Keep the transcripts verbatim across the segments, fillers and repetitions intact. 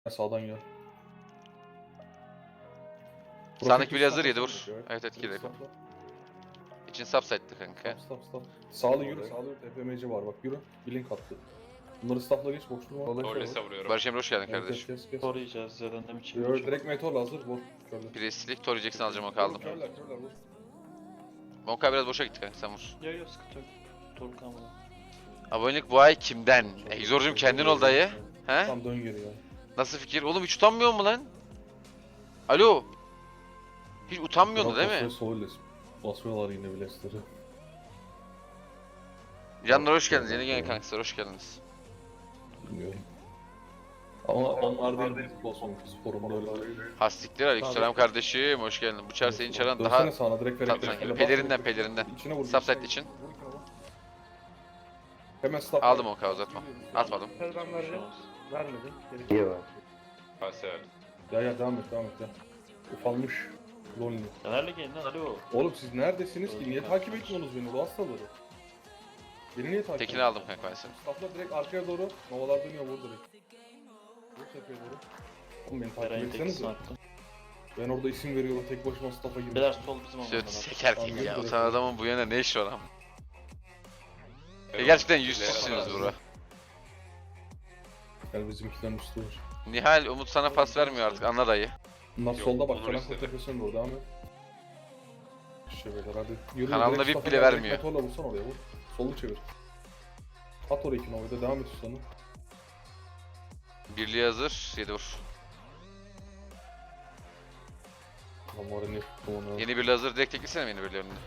Sağdan gel. Sağdaki bir hazır Profil yedi vur. stopla. Evet evet gir. Stopla. İçin subside'dı kanka. Stop stop stop. Sağlı yürü, sağlı yürü. T P M C var bak yürü. Bir link attı. Bunları stopla geç, boş durma. Orles'e vuruyorum. Barış Emre hoş geldin Evet, kardeşim. kes, kes, kes. Koruyacağız Z'den de mi Yürü, çevireceğim? direkt meteorla hazır, vur. Körle. Preslik, Tori Jackson alacağım o kaldım. Körler, körler, vur. Monka biraz boşa gitti kanka sen vur. Yok yok sıkıntı yok. Torun kalmadı. Abonelik bu ay kimden? Egzorcum kendin ol dayı. He? Tam dön geri ya. Nasıl fikir? Oğlum hiç utanmıyor mu lan? Alo. Hiç utanmıyordu değil mi? Soğuyla basmıyorlar yine bilesleri. Canlar hoş geldiniz. Yeni gelen kankaslar hoş geldiniz. Bilmiyorum. Ama onlar değil basmıyor. Sporumda öyle. Hastikler aleykümselam kardeşim hoş geldin. Bu çar senin çaran daha Dönsene sağına direkt tatlı sanki. Pelerinden pelerinden. İçine vur. Subside için. Hemen stop. Aldım o kadar uzatma. Atmadım. Ben vereceğim. Vermedim. Geri İyi var. Paser. Ya ya devam et devam et ya. Ufalmış. Lonely. Caner'le gelin lan alo. Oğlum siz neredesiniz ki? Niye takip etmiyorsunuz beni? Bu hastaları. Beni niye takip Tekini aldım kanka ben seni. Stopla direkt arkaya doğru. Novalar dönüyor vur direkt. Vur tepeye doğru. Oğlum beni takip Eray'ın etsenize. tekisini attım. Ben orada isim veriyorum tek başıma staff'a girdim. Beyler sol bizim Söğüt olmadan. seker gibi ya. Utan adamın bu yana ne işi var ama. E gerçekten yüzsüzsünüz bro. Gel bizimkilerin üstü var. Nihal Umut sana pas vermiyor artık anla dayı. Bunlar Yok, solda bak. Onur Karan istedi. tepesine doğru devam et. İşte beyler hadi. Yürü, Kanalına direkt V I P staff'a bile gel, vermiyor. direkt Meteorla vursan oraya vur. Solu çevir. At oraya iki Nova'da devam et üstüne. Birliği hazır. Yedi vur. Lan var ya ne tuttum onu. Yeni birliği hazır. Direkt teklesene mi yeni birliği önüne?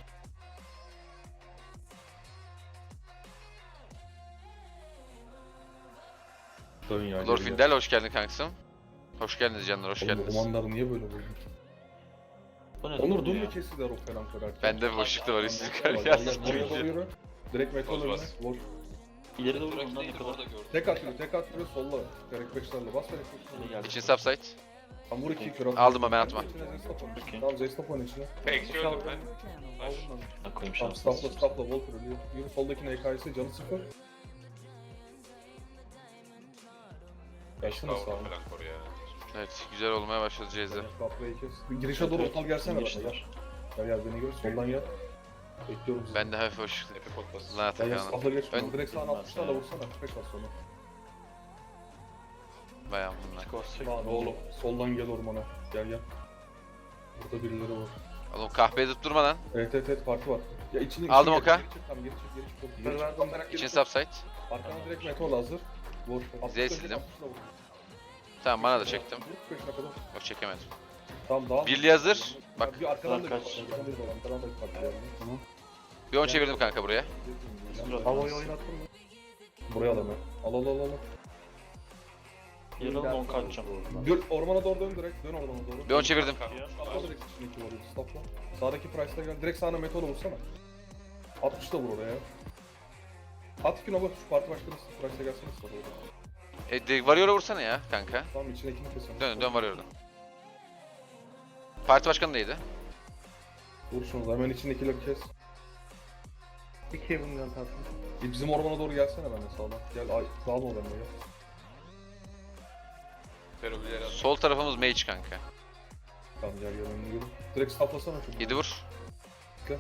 Dön ya. Lord geri gel. Findel hoş geldin kankasım. Hoş geldiniz canlar hoş Oğlum bu geldiniz. romanlar niye böyle oluyor? Bu ne Onur lan dur ya? mu kestiler o falan kırarken? Bende bir boşlukta var üstü yukarı Gel, gel, gelsin. buraya doğru yürü. Direkt metal Bas, önüne. bas. Vur. İleri doğru ondan ne kadar. Tek at yürü, tek at yürü, solla. Gerek beşlerle bas, gerek beşlerle. geldi. İçin subside. Tam vur iki kür at. Aldım ama ben atma. İçine Zestop oyna. Okey. Tamam Zestop oyna içine. Eksi öldüm ben. Al bunları. Ben koyayım Tamam şanslı. stopla stopla Volker ölüyor. Yürü soldakine E K S canı sıfır. Gelsene Kavga sağa. falan koru ya. Evet güzel olmaya başladı Ceyze. Stoplayı kes. Bir girişe doğru otal gelsene bana gel. Gel gel beni gör, soldan gel. Bekliyorum sizi. Ben de hafif hoş. Tepe pot bas. Lan Gel gel Atakan'ım. stopla geç. Ön- Direkt sağına altmışlarla vursana. Tek bas sonra. Bayağı bunlar. Lan oğlum soldan gel ormana. Gel gel. Burada birileri var. Oğlum kahpeye tutturma lan. Evet evet evet parti var. Ya içine Aldım içine oka. Geri çık tamam geri çık geri çık. Çok iyi. Ben Geri çık. verdim. Direkt geri İçin çık. subside. Arkana direkt metal hazır. Vur. Z sildim. Tamam bana da çektim. Vur beşine kadar. Yok çekemedim. Tamam daha. Birliği hazır. Bak Bir arkadan da Kaç. arkadan da bir arkadan da bir parti geldi. Tamam. bir on çevirdim kanka buraya. Havayı oynattın mı? Buraya al hemen. Al al al al. Yarın on kaçacağım. Dön ormana doğru dön direkt. Dön ormana doğru. bir on çevirdim. Stopla direkt içindeki var. Stopla. Sağdaki price'la gel. Direkt sağına metal vursana. altmış da vur oraya. At iki nova şu parti başkanı price'la gelsene sana doğru. E, de, Warrior'a vursana ya kanka. Tamam içindekini keselim. Dön dön Warrior'dan. Parti başkanı neydi? Vur şunu da hemen içindekileri kes. İki evinden tatlım. E, bizim ormana doğru gelsene ben de sağdan. Gel ay dağılma oraya gel. Ferobileri al. Sol tarafımız mage kanka. Tamam gel gel önüne yürü. Direkt stoplasana şunu. yedi vur. Gel.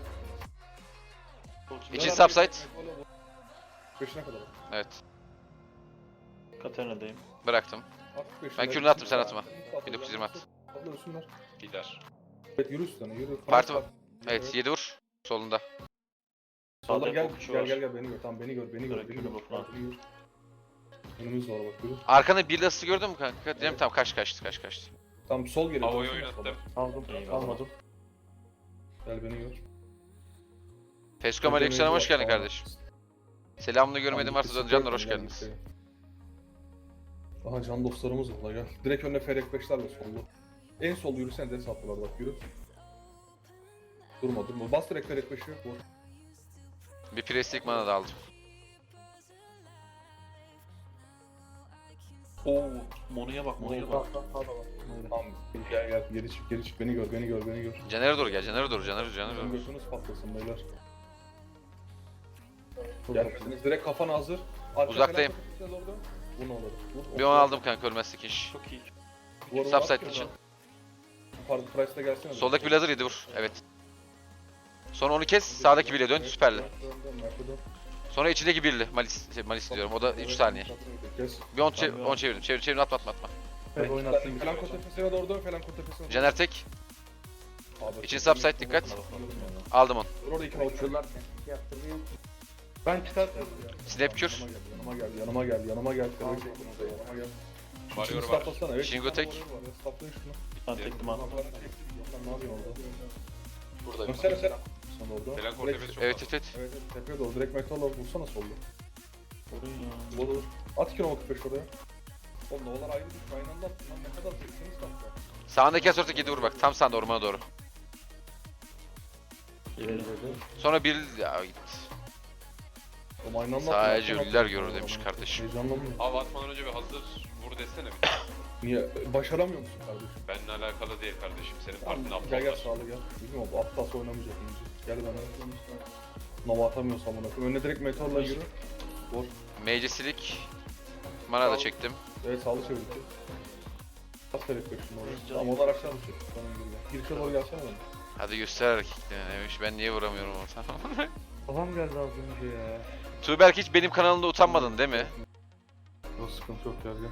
İçin subside. Beşine kadar. Evet. Katerina'dayım. Bıraktım. At beşine. Ben kürünü attım, sen atma. bin dokuz yüz yirmi at. Atla üstünden. Gider. Evet yürü üstüne yürü. Parti Parti var. Evet yedi vur. Solunda. Solda Sağda gel okçu gel var. gel gel beni gör. Tamam beni gör beni gör Direkt beni yürü gör. bakma. Beni gör. Önümüz var bak yürü. Arkanda bir lastik gördün mü kanka? Diyelim tamam kaç kaçtı kaç kaçtı. Tamam sol geri. Havayı dönsene oynattım. Aldım. Eyvallah. Almadım. sola. Gel beni gör. Feskom Aleykümselam hoş geldin kardeşim. Selamını görmedim varsa Tamam, canlar hoş gel, geldiniz. gel. Aha can dostlarımız var la gel. Direkt önüne Ferek beşlerle sollu. En sol yürüsen de saplılar bak yürü. Durma durma. Bas direkt Ferek beşi. Vur. Bir preslik mana da aldım. Oo, Monu'ya bak, Monu'ya bak. Tamam gel gel geri çık geri çık beni gör beni gör beni gör. Caner'e doğru gel Caner'e doğru Caner'e Caner'e Bizim doğru. götünüz patlasın beyler. Gelmediniz direkt kafana hazır. Arka Uzaktayım. falan kapısına doğru dön. Bu ne olur? Bu- Bir on aldım kanka ölmezsek iş. Çok iyi. Bu arada Subside at için. ya. Pardon Price'da gelsene. Soldaki bir lazer yedi vur. Evet. Sonra onu kes. Sağdaki birle dön. Süperli. Dön, dön, dön, dön. Sonra içindeki birli. Malis, şey, Malis diyorum. O da üç saniye. Kes. Bir on, çev on çevirdim. Çevir çevir atma atma atma. Evet, oynattım. Felanko tepesine doğru dön. Felanko tepesine. Caner tek. Abi, İçin subside dikkat. Aldım onu. Orada iki uçuyorlar. Ben çıkartıyorum. Snap kür. Yanıma gel, yanıma gel, yanıma gel. Yanıma gel. Yanıma gel. Varıyor İçini var. stoplasana, evet. Shingo tek. Stoplayın şunu. Ben tektim Lan abi. ne yapıyorsun orada? Burada. Dönsene sen. Sen orada. Falan Direkt- kortepesi çok Evet fazla. evet evet. Evet, evet, tepeye doğru. Direkt metalla vursana solda. Vurun ya. Olur. At iki nokta kırk beş oraya. Oğlum novalar ayrı düşme, aynı anda attın lan. Ne kadar çekseniz stopla. Sağındaki asörtü yedi vur bak. Tam sağında ormana doğru. İleri. Sonra bir... Ya git. Oğlum aynı anda Sadece attın, ölüler attın, görür attın. demiş kardeşim. Heyecanlanmıyor. Abi atmadan önce bir hazır vur desene bir. Niye? Başaramıyor musun kardeşim? Benimle alakalı değil kardeşim. Senin Tamam, partinin gel gel aptal. sağlı gel. Bilmiyorum bu aptal oynamayacak önce. Gel bana. Nova atamıyorsam amına koyayım. Önüne direkt metalla yürü. Vur. Meclisilik. Mana da çektim. Evet sağlı çevir. Kas terek şimdi oraya. Tamam onlar aşağı düşecek. Tamam geri gel. Girişe doğru gelsene bana. Hadi göster hareketlerini demiş. Ben niye vuramıyorum orada? Kafam geldi az önce ya. Tuğberk hiç benim kanalımda utanmadın değil mi? Yok sıkıntı yok gel gel.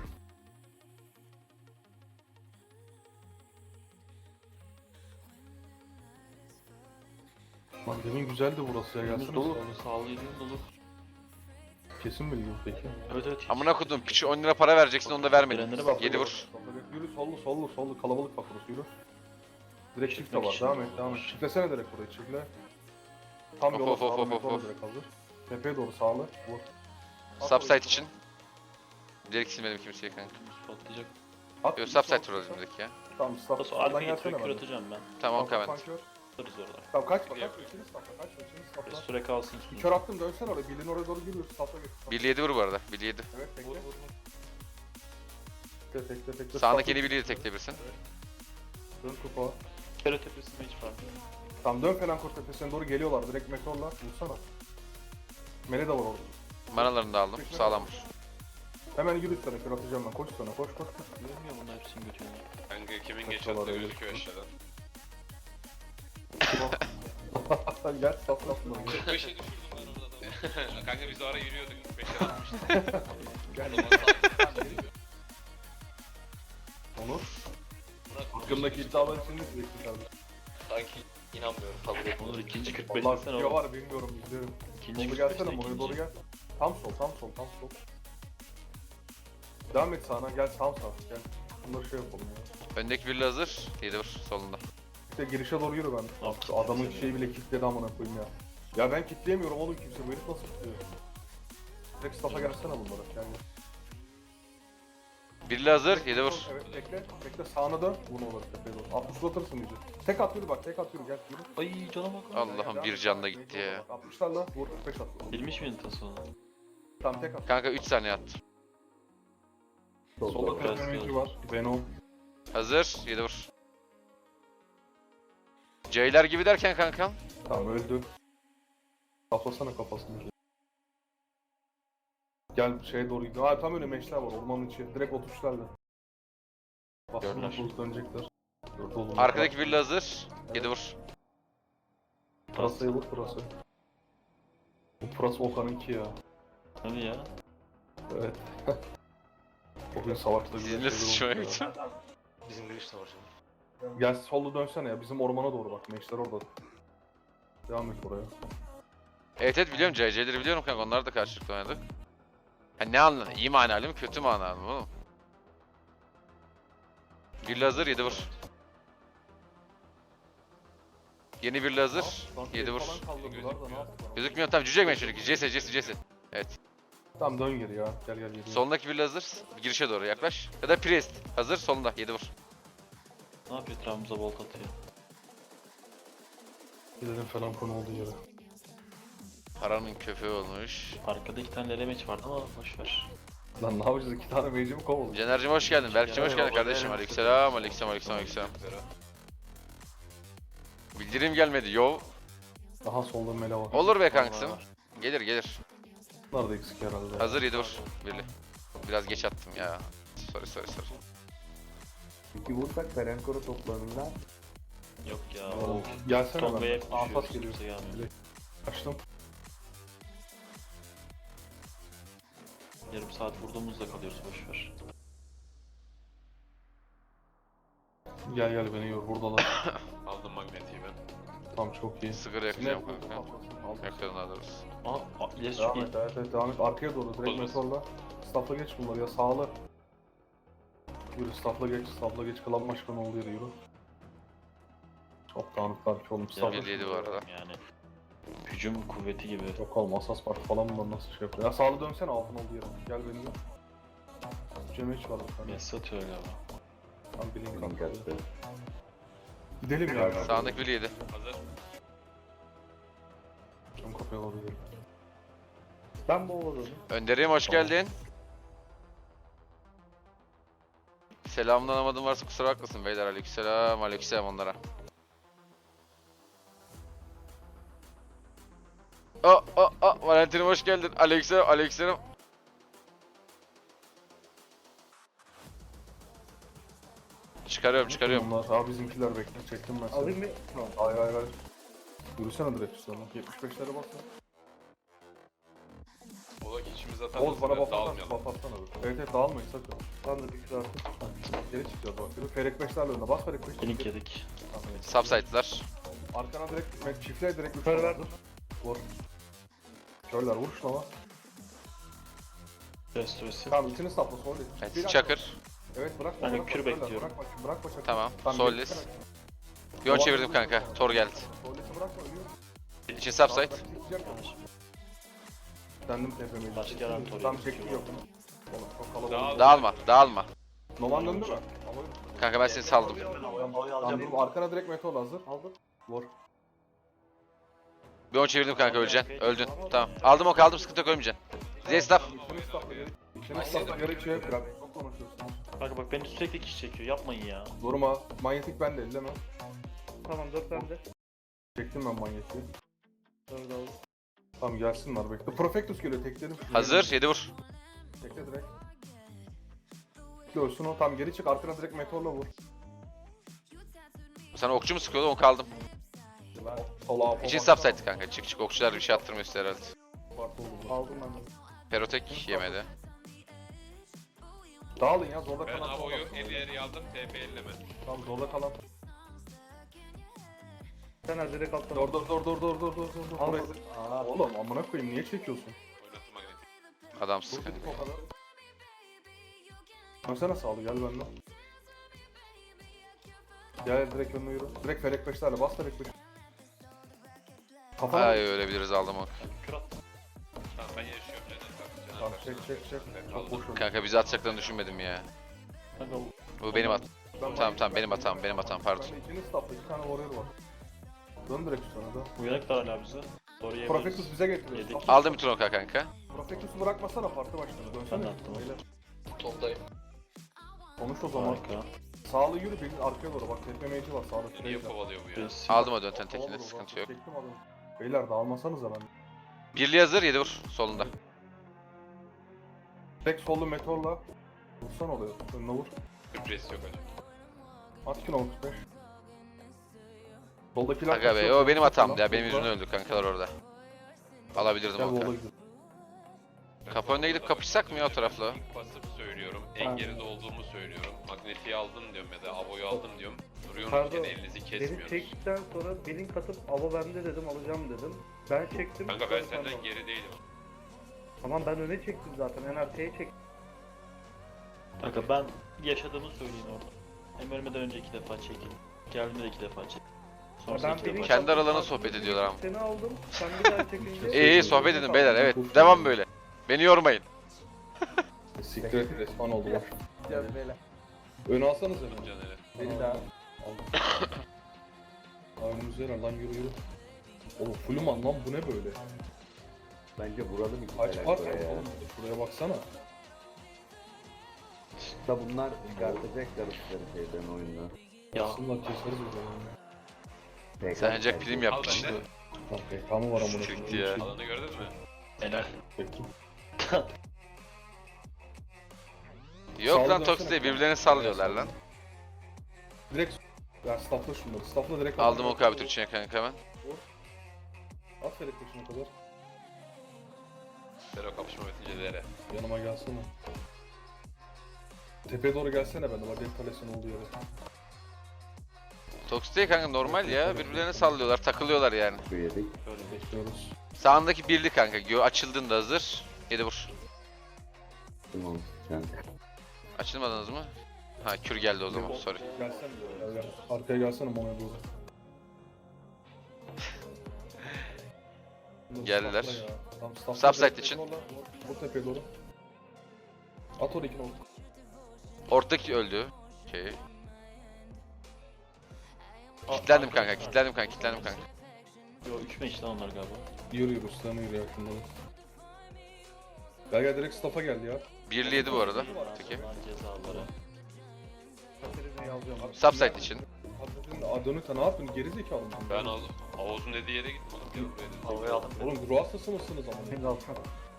Lan demin güzeldi burası ya Önümüz gelsene. dolu. sağlı. Sağlı yediğim dolu. Kesin bilgi peki. Evet evet. Amına kodum piçi on lira para vereceksin onu da vermedin. Gelenlere bak. Yedi vur. Yürü sollu sollu sollu kalabalık bak burası yürü. Direkt shift de var için. devam et devam et. Çiftlesene direkt burayı çiftle. Tam Of, yola of, of, sağlı of, metrola of. direkt hazır. Tepeye doğru sağlı vur. Subside için. Direkt silmedim kimseye kanka. Patlayacak. At. Yok subside vuralım direkt ya. Tamam stop. Nasıl Sağdan arkaya gelsene getirip kür bana. atacağım ben. Tamam Tamam, kavent. kör. Atarız orada. Tamam kaçma kaçma. Yapıyor. İçini stopla kaçma içini Ve stopla. süre kalsın Bir üstünde. kör attım dönsene oraya. Bilin oraya doğru giriyoruz. Stopla git. stopla. Birli yedi vur bu arada. Birli yedi. Evet tekle. Tekle tekle tekle. Sağındaki stopla. yeni birliği de tekleyebilirsin. Dön kupa. Kere tepesinde hiç fark yok. Tamam dön falan kor tepesine doğru geliyorlar. Direkt meteorla vursana. Mele de var orada. Manalarını da aldım. Sağlam vur. Hemen yürü üstüne kör atacağım ben. Koş üstüne koş koş. koş. Görmüyor bunlar hepsini götürüyor. Kanka kimin geç Kaçıyorlar attığı öyle. gözüküyor aşağıdan. Gel stop stop. kırk beşe düşürdüm ben orada adamı. Kanka biz o ara yürüyorduk. kırk beşe atmıştık. Gel. Onur. Hakkımdaki iddialar için ne diyeceksin kardeşim? Sanki inanmıyorum kabul etmiyorum. Olur ikinci kırk beş Allah desene video oğlum. var bilmiyorum izliyorum. İkinci Solda kırk gelsene beşte buraya doğru ikinci. gel. Tam sol tam sol tam sol. Devam et sağına gel tam sağ gel. Bunları şey yapalım ya. Öndeki birli hazır. Yedi vur solunda. İşte girişe doğru yürü ben. Abi, Şu adamın şeyi bile kilitledi amına koyayım ya. Ya ben kilitleyemiyorum oğlum kimse bu herif nasıl kilitliyor? Direkt staff'a gelsene bunlara gel. gel. Birli hazır. Yedi vur. Evet bekle bekle sağına dön. Bunu olur tepeye doğru. altmış uzatırsın iyice. Tek at yürü bak tek at yürü gel yürü. Ay cana bak. Allah'ım bir canla gitti ya. altmışlarla vur kırk beş at. Bilmiş miydin tası onu? Tamam tek at. Kanka üç saniye attım. Solda Biraz kırk var. Venom. Hazır. Yedi vur. C'ler gibi derken kankam. Tamam öldü. Kafasana kafasını. Gel şeye doğru gidiyor. Ha tam önüme eşler var ormanın içi. Direkt otuşlarla. Bastığında Gördüler. bulup dönecekler. Dört oğlum. Arkadaki birli hazır. Yedi vur. Pırasa'ya vur pırasa. Bu pırasa Okan'ınki ya. Hadi ya. Evet. O gün savaşta güzel Sizinle şeyler sıçmaya olmuş ya. gittim. Bizim giriş de var şimdi. Gel solda dönsene ya bizim ormana doğru bak. Meşler orada. Devam et oraya. Evet evet biliyorum C C'leri biliyorum kanka onlar da karşılıklı oynadık. Ha ne anladın? İyi manalı mı kötü manalı mı oğlum? Birli hazır yedi vur. Yeni birli hazır. Lan Yedi el vur. falan kaldırdılar da ne yaptılar? Gözükmüyor tamam cüce ekmeği çocuk. C S C S C S. Tamam dön geri ya. Gel gel geri. Solundaki birli hazır. Girişe doğru yaklaş. Ya da Priest hazır solunda yedi vur. Ne yapıyor etrafımıza volt atıyor. Gidelim falan konu olduğu yere. Paranın köpeği olmuş. Arkada iki tane lemeç vardı ama boşver. Lan ne yapacağız? İki tane mage'i mi kovalım? Caner'cim hoş geldin. Berk'cim hoş geldin Eyvallah, kardeşim. eyvallah. Aleykümselam, aleykümselam, aleykümselam, aleykümselam. Bildirim gelmedi yo. Daha solda mele var. Olur be kanksım. Vallahi. Gelir gelir. Bunlar da eksik herhalde. Hazır yedi vur. Birli. Biraz geç attım ya. Sorry sorry sorry. İki vursak Ferenkor'u toplarında Yok ya. Oo, O Gelsene Tonga'ya ben. hep Anfas düşüyoruz. geliyor. Kimse gelmiyor. Açtım. Yarım saat vurduğumuzda kalıyoruz boşver. Gel gel beni yor. Buradalar. Aldım magnetiği ben. Tamam çok iyi. Sigara yakacağım kanka. Yakıyorum daha doğrusu. Aa, aa ileri çok Devam iyi. et, evet, evet, devam et. Arkaya doğru, direkt Olmaz. meteorla. Staff'la geç bunları ya, sağla. Yürü, staff'la geç, staff'la geç. Klan başkanı ol yürü, yürü. Çok dağınıklar ki oğlum, staff'la. bir yedi bu arada. Yani. Hücum kuvveti gibi. Yok oğlum, asas parti falan bunlar nasıl şey yapıyor. Ya sağlı dönsene, altın oldu yere. Gel beni gör. Cemeç var bir tane. Messi atıyor galiba. Tam bilin link kalktı. attı. Gidelim ya. Sağındaki biri yedi. Hazır. Cam kapıya doğru gidelim. Ben bu oğlum. Önder'im hoş geldin. Selamını anlamadım varsa kusura bakmasın beyler. Aleykümselam, aleykümselam onlara. Aa, aa, aa, Valentin'im hoş geldin. Aleykümselam, aleykümselam. Çıkarıyorum, çıkarıyorum. Bunlar, abi bizimkiler bekle, çektim ben seni. Alayım mı? Hayır hayır hayır. Yürüsene direkt üstüne. yetmiş beşlere bas ya. Ola ki içimize atarız. Oğuz bana buff atsana, Dağılmayalım. buff atsana abi. Evet evet, dağılmayın sakın. Ben de bir kilo attım. Geri çıkacağız bak. Yürü, Ferek beşlerle önüne bas, Ferek beş. Link yedik. Subsite'lar. Arkana direkt, met çiftle direkt üç Yukarı tane verdim. vur. Körler vur şuna bak. Restoresi. Tamam içini sapla, sol değil. Evet, Bir Çakır. Evet bırakma, Ben de bırakma, kür körler, bekliyorum. Bırakma, bırakma Çakır. Tamam, Tamam, sol geri list. çıkarak. Bir on çevirdim kanka. Tor geldi. Sol list'i bırakma, ölüyor. İçin subsite. Dendim tepemeye. Başka yaran Tor'u Tam yapıyor. çekti yok. Oğlum çok kalabalık. Dağıl. Dağılma, dağılma. Noman döndü mü? Kanka ben seni saldım. Tamam dur, arkana direkt meteor hazır. Aldım. Vur. Bir on çevirdim kanka, öleceksin. Öldün. Tamam. Aldım o kaldım, sıkıntı yok, ölmeyeceksin. Zestaf. İçini stopla geri. İçini stopla geri şey bırak. Çok konuşuyorsun. Kanka bak beni sürekli kişi çekiyor. Yapmayın ya. Durma. Manyetik bende, elleme. Tamam dört bende. Çektim ben manyetiği. Dört aldım. Tamam gelsinler bekle. Profectus geliyor, tekledim. Hazır, yedi vur. Tekle direkt. Görsün o, tam geri çık, arkana direkt meteorla vur. Sana okçu mu sıkıyordu, onu kaldım. Sola. İçin subsite kanka, çık çık. Okçular bir şey attırmıyor size herhalde. Aldım ben de. Perotek yemedi. Dağılın ya, zorda Ben kalan. Avo'yu elli yeri aldım. T P elleme. Tamam zorda kalan. Sen az direkt alttan. Dur dur dur dur dur dur dur dur. Al. Buraya- Aa, oğlum amına koyayım, niye çekiyorsun? Oynattım magnetiği. Adamsız Dur kanka. dedik o kadar. Dönsene sağlı, gel benden. Gel direkt önüne yürü. Direkt Ferek beşlerle bas, Ferek beş. Kafana. Ay ölebiliriz, aldım onu. Kür attım. Tamam ben yaşıyorum. Caner tak. Tamam Caner çek tak. çek çek. Çok boş oldu. Kanka bizi atacaklarını düşünmedim ya. Kanka Bu benim at. Ben- Tamam tamam benim hatam, benim hatam pardon. Bende ikiniz stopla, iki tane warrior var. Dön direkt üstüne de. uyanık da hala bize. Doğru yemeyiz. Profectus bize getiriyor. Yedik. Stopla. Aldım bütün oka kanka. Profectus'u bırakmasana, parti başkanı. Dönsene. Ben de attım. Beyler. Toplayın. Konuş o zaman. Harika. Sağlı yürü, bir arkaya doğru bak, tepe mage'i var sağda. Niye Trey'de. kovalıyor bu ya? Biz- Aldım o dönten Kovala tekini, vur, sıkıntı bak, yok. çektim adamı. Beyler dağılmasanıza ben. Birliği hazır, yedi vur solunda. Tek sollu meteorla. Vursan oluyor. Önüne vur. Sürpriz yok hocam. At kilo otuz beş. Soldakiler Aga be, kaçıyor, o benim hatamdı ya, solda. benim yüzümden öldük kankalar orada. Alabilirdim Gel o vola kadar. gidelim. Kapı önüne gidip kapışsak mı ya o tarafla? İlk basıp söylüyorum. En geride olduğumu söylüyorum. Magnetiği aldım diyorum ya da Avo'yu aldım diyorum. Duruyorsunuz Pardon, gene elinizi Beni kesmiyorsunuz. çektikten sonra bir link atıp ava bende dedim alacağım dedim. Ben çektim. Kanka ben sonra sen senden al. geri değilim. Tamam ben öne çektim zaten. En arkaya çektim. Kanka ben yaşadığımı söyleyeyim orada. Hem ölmeden önce iki defa çekildim. Geldiğimde de iki defa çekildim. Sonrasında Ben iki bir link defa Kendi atıp aralarında aldım, sohbet ediyorlar ama. Seni aldım. Sen bir daha çekince. İyi iyi sohbet edin beyler, evet. Devam böyle. Beni yormayın. Siktir et, respawn oldu bak. Gel beyler. Ön alsanız hemen. Caner'e. Beni daha. Önümüzde yer lan, yürü yürü. Oğlum Fluman lan, bu ne böyle? Bence vuralım iki Kaç tane park var buraya ya. oğlum? Şuraya baksana. Da bunlar çıkartacaklar üstleri şeyden oyundan. Ya Aslında keseriz o zaman. P K Sen ancak bence. prim Al yapmış. bende. Lan P K mı var amına Çıktı ya. Alanı gördün mü? helal. Çektim. Yok Sağlı lan dönsene Toxic kanka. birbirlerini sallıyorlar lan. Direkt ya staffla şunları. Staffla direkt Aldım al. o kabitür içine kanka hemen. At Ferik peşine kadar. Fero kapışma bitince dere. Yanıma gelsene. Tepeye doğru gelsene ben de. Ladek kalesinin olduğu yere. Toxic değil kanka normal ya. Birbirlerini sallıyorlar, takılıyorlar yani. Şu yedik. Böyle bir Bekliyoruz. Sağındaki birli kanka. Gö açıldığında hazır. Yedi vur. Tamam. Yani. Açılmadınız mı? Ha kür geldi o zaman sorry. Gelsene. Gel, gel. Arkaya gelsene Mono'ya doğru. Geldiler. Staffla ya. Tamam, staffla Subside direkt için. zorla. Vur tepeye doğru. At oraya ikini oldu. Ortadaki öldü. Okey. Kitlendim kanka, kitlendim kanka, kitlendim kanka. Yo üç beş lan onlar galiba. Yürü yürü üstlerine yürü ya şunları. Gel gel direkt staff'a geldi ya. Birli yedi bu arada. Peki. Lan cezaları. Katerini alacağım. Subside için. Hazretin Adonita ne yaptın? Geri zekalı mısın? Ben aldım. Oğuz'un dediği yere gittim oğlum. Gel buraya dedim. Havaya aldım. Oğlum ruh hastası mısınız ama? Şimdi alsana.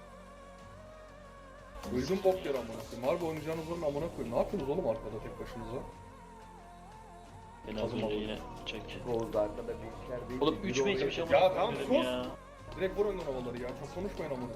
Öldüm bok yer amına koyayım. Harbi oynayacağınız onun amına koyayım. Ne yapıyorsunuz oğlum arkada tek başınıza? Beni az önce yine çek. Oğuz arkada bir işler değil. Oğlum üç beş bir şey ama. Ya tamam, dedim sus. ya. Direkt vur önden havaları ya. Çok konuşmayın amına.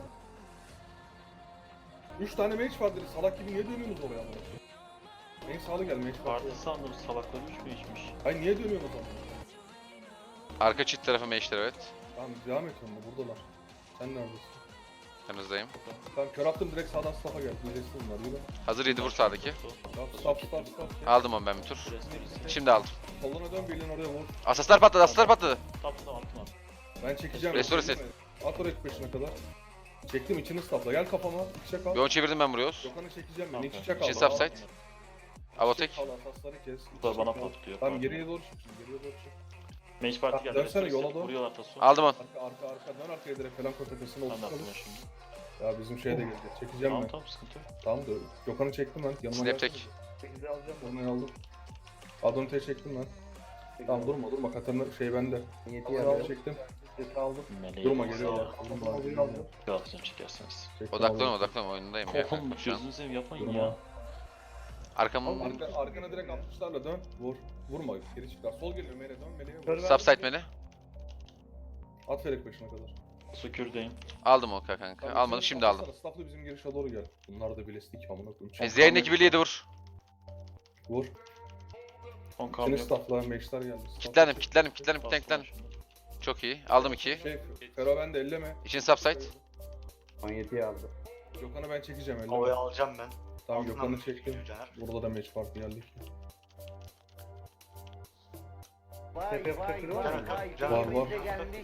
Üç tane mage var dedi. Salak gibi niye dönüyorsunuz oraya amına koyayım? En sağlı gel mage var. Parti sandım salaklar üç mü içmiş? Hayır niye dönüyorsunuz amına? Arka çift tarafı meşler evet. Tamam devam et onunla buradalar. Sen neredesin? Yanınızdayım. Tamam kör attım direkt sağdan staff'a gel. Diyeceksin bunlar yürü. Hazır yedi vur sağdaki. Staff staff staff staff. Aldım onu ben bir tur. Şimdi aldım. Soluna dön birliğin oraya vur. Asaslar patladı, asaslar patladı. Tamam tamam tamam. Ben çekeceğim. Restore Çekeyim mi? At oraya peşine kadar. Çektim içini staffla. Gel kafama. İçe kal. Bir onu çevirdim ben buraya. Gökhan'ı çekeceğim ben. Tamam, İç içe kal. İçin subside. Avotek. Kal asasları kes. Bu da İç bana içe kal. patlıyor. Tamam geriye doğru çık şimdi. Geriye doğru çık. Mage parti geldi. Dönsene, Dönsene yola doğru. Vuruyorlar taso. Aldım onu. Arka arka arka dön arkaya direkt falan tepesine Ben de oturtalım. aklıma şimdi. Ya bizim şeye de geldi. Çekeceğim Tamam ben. tamam sıkıntı yok. Tamam da Gökhan'ı çektim ben. Yanıma Snap gelsene. tek. sekizi alacağım. Onu aldım. Adonite'yi çektim ben. Tamam durma durma. Katarina şey bende. Niyeti Adonite'yi yarıyor. çektim. Seti aldım. Meleği Durma sağ- geliyorlar. Durma Aldım geliyorlar. aldım. Galatasaray çekerseniz. Çektim, Odaklanın aldım. odaklanın oyundayım ya Oğlum kanka şu an. gözünü seveyim yapmayın Durma. ya. Arkamı Arka, arkana direkt altmışlarla dön. Vur. Vurma. Geri çıkar. Sol geliyor Mele dön. Mele'ye vur. Kör ver. subside beni. At Ferik başına kadar. Sükürdeyim. Aldım o kanka. Tamam, Almadım sen şimdi aldım. stafflasana, Staffla bizim girişe doğru gel. Bunlar da bilestik amına koyayım. E, Z'nin birli yedi vur. Vur. on İçini kalm yok. staffla. Meşler geldi. Staffla. Kitlendim, kitlendim, kitlendim, Bastım kitlendim. şimdi. Çok iyi. Aldım iki. Şey, Fero ben de elleme. İçin subside. on yediyi aldı. Gökhan'ı ben çekeceğim elleme. Havaya alacağım ben. Tamam Altından Gökhan'ı mı çektim. çekiyor Caner? Burada da match parti geldik. Tepe fıkırı var mı? Caner, Caner, Var var.